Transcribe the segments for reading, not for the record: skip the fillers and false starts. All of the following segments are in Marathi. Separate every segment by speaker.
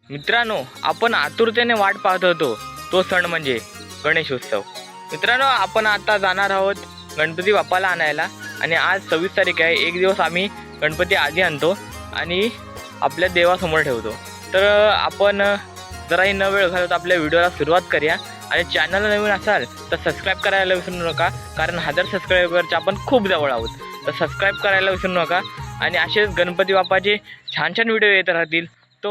Speaker 1: मित्रांनो, आपण आतुरतेने वाट पाहत होतो तो सण म्हणजे गणेशोत्सव. मित्रांनो, आपण आता जाणार आहोत गणपती बाप्पाला आणायला आणि आज 26 तारीख आहे. एक दिवस आम्ही गणपती आधी आणतो आणि आपल्या देवासमोर ठेवतो. तर आपण जराही न वेळ घालवता आपल्या व्हिडिओला सुरुवात करूया. आणि चॅनलला नवीन असाल तर सबस्क्राईब करायला विसरू नका, कारण 1000 सबस्क्रायबरच्या आपण खूप जवळ आहोत. तर सबस्क्राईब करायला विसरू नका आणि असेच गणपती बाप्पाचे छान छान व्हिडिओ येत राहतील. तो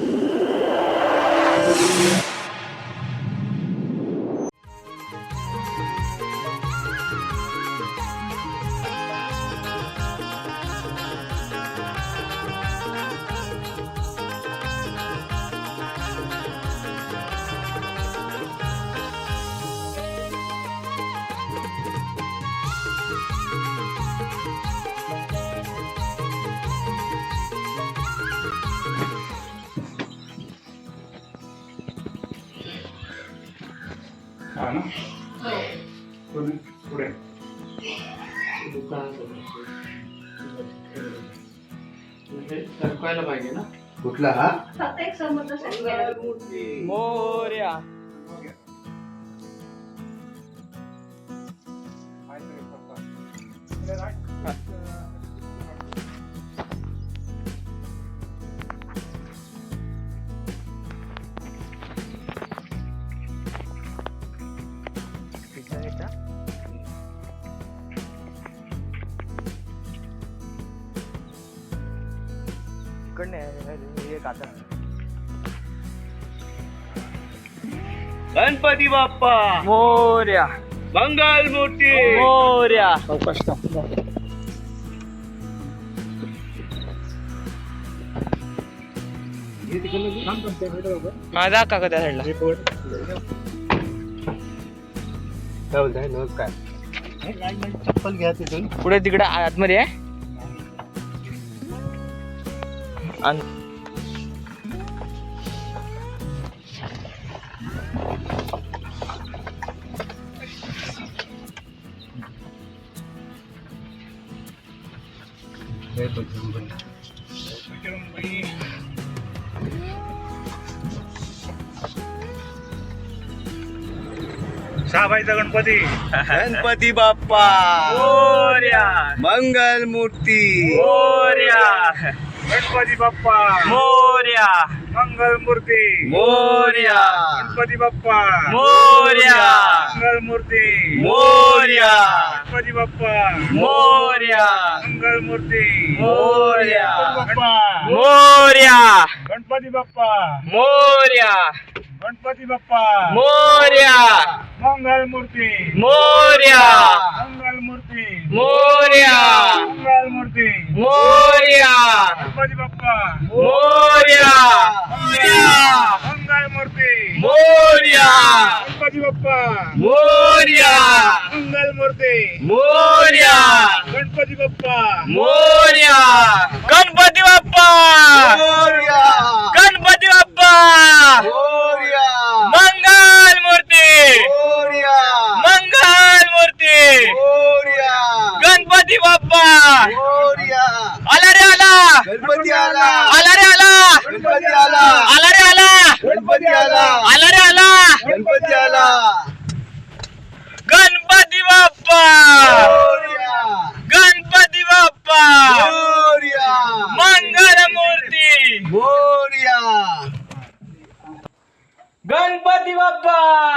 Speaker 2: हा ना पुढे
Speaker 3: सरकवायला पाहिजे ना.
Speaker 4: कुठला हा
Speaker 5: फक्त एक समोरचा सांगितलं.
Speaker 1: मोरया.
Speaker 3: गणपती बाप्पा
Speaker 1: मोरया.
Speaker 3: मंगल मूर्ती
Speaker 1: मोरया.
Speaker 2: अवकाश
Speaker 1: माझा काका त्या साईडला.
Speaker 4: काय बोलताय नमस्कार चप्पल घ्या तिथून
Speaker 1: पुढे तिकडे आतमध्ये आहे.
Speaker 2: सहाबाईचा गणपती
Speaker 4: गणपती बाप्पा
Speaker 1: मोरया.
Speaker 4: मंगल मूर्ती
Speaker 1: मोरया.
Speaker 2: गणपती बाप्पा
Speaker 1: मोरया.
Speaker 2: मंगल मूर्ती
Speaker 4: मोरया
Speaker 2: गणपती बाप्पा
Speaker 1: मोरया.
Speaker 2: मंगल मूर्ती
Speaker 4: मोरया
Speaker 2: गणपती बाप्पा
Speaker 1: मोरया.
Speaker 2: मंगल मूर्ती
Speaker 1: मोरया.
Speaker 2: बाप्पा
Speaker 1: मोरया.
Speaker 2: गणपती बाप्पा
Speaker 1: मोरया.
Speaker 2: गणपती बाप्पा
Speaker 1: मोरया.
Speaker 2: मंगल मूर्ती
Speaker 1: मोरया.
Speaker 2: मंगल मूर्ती
Speaker 1: मोरया.
Speaker 2: मंगल मूर्ती
Speaker 1: मोरया.
Speaker 2: गणपती बाप्पा
Speaker 1: मोरया.
Speaker 2: मंगल मूर्ती
Speaker 1: मोरया.
Speaker 2: गणपती बाप्पा
Speaker 1: मोरया.
Speaker 2: मंगल मूर्ती
Speaker 1: मोरया.
Speaker 2: गणपती बाप्पा
Speaker 1: मोरया. गणपती बाप्पा.
Speaker 4: मोरया
Speaker 1: गणपती बाप्पा.
Speaker 4: मोरया
Speaker 1: मंगल मूर्ती.
Speaker 4: मोरया
Speaker 1: मंगल मूर्ती.
Speaker 4: मोरया
Speaker 1: गणपती बाप्पा.
Speaker 4: मोरया
Speaker 1: आला रे आला.
Speaker 4: गणपती आला
Speaker 1: आला रे आला.
Speaker 4: गणपती आला
Speaker 1: आला रे आला.
Speaker 4: गणपती आला
Speaker 1: आला रे आला.
Speaker 4: गणपती आला
Speaker 1: गणपती बाप्पा.
Speaker 4: मोरया
Speaker 1: गणपती बाप्पा.
Speaker 4: मोरया
Speaker 1: मंगल मूर्ती.
Speaker 4: मोरया
Speaker 1: गणपती बाप्पा.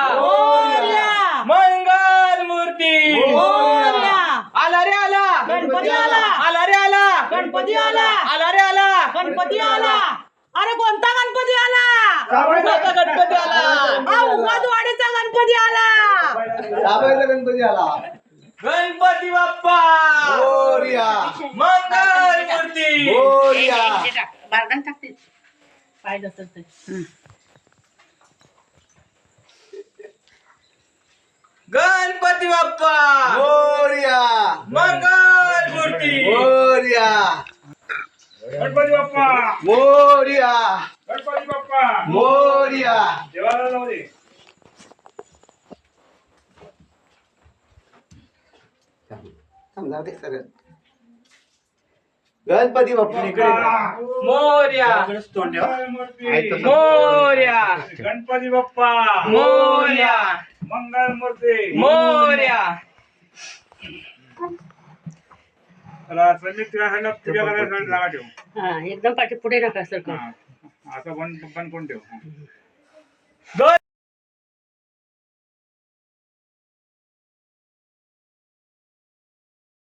Speaker 1: मंगल मूर्ती. आला रे आला.
Speaker 5: गणपती आला.
Speaker 1: आला रे आला.
Speaker 5: गणपती आला.
Speaker 1: आला रे आला.
Speaker 5: गणपती आला. अरे कोणता गणपती आला?
Speaker 1: आता गणपती आला.
Speaker 5: हा उमादवाडीचा गणपती आला.
Speaker 4: दाबायचा गणपती आला
Speaker 1: गणपती बाप्पा.
Speaker 4: मोरया
Speaker 1: मंगल मूर्ती.
Speaker 4: मोरया
Speaker 5: बारदान टाकते पाहिजे असेल तर.
Speaker 1: गणपती बाप्पा.
Speaker 4: मोरया
Speaker 1: मंगल मूर्ती.
Speaker 4: मोरया
Speaker 2: गणपती बाप्पा
Speaker 4: मोरया
Speaker 2: गणपती बाप्पा
Speaker 4: मोरया
Speaker 2: देवाला जाऊ दे.
Speaker 4: समजा ते सर गणपती बाप्पा इकडे
Speaker 1: मोर्या
Speaker 2: मंगलमूर्ती
Speaker 1: मोर्या
Speaker 2: गणपती बाप्पा
Speaker 1: मोर्या
Speaker 2: मंगलमूर्ती
Speaker 1: मोर्या.
Speaker 2: चला समितीला पूजा करायसाठी जागा ठेव.
Speaker 5: हा एकदम पाठी पुढे नका सर
Speaker 2: हा. आता बंद कोण ठेव.
Speaker 1: गण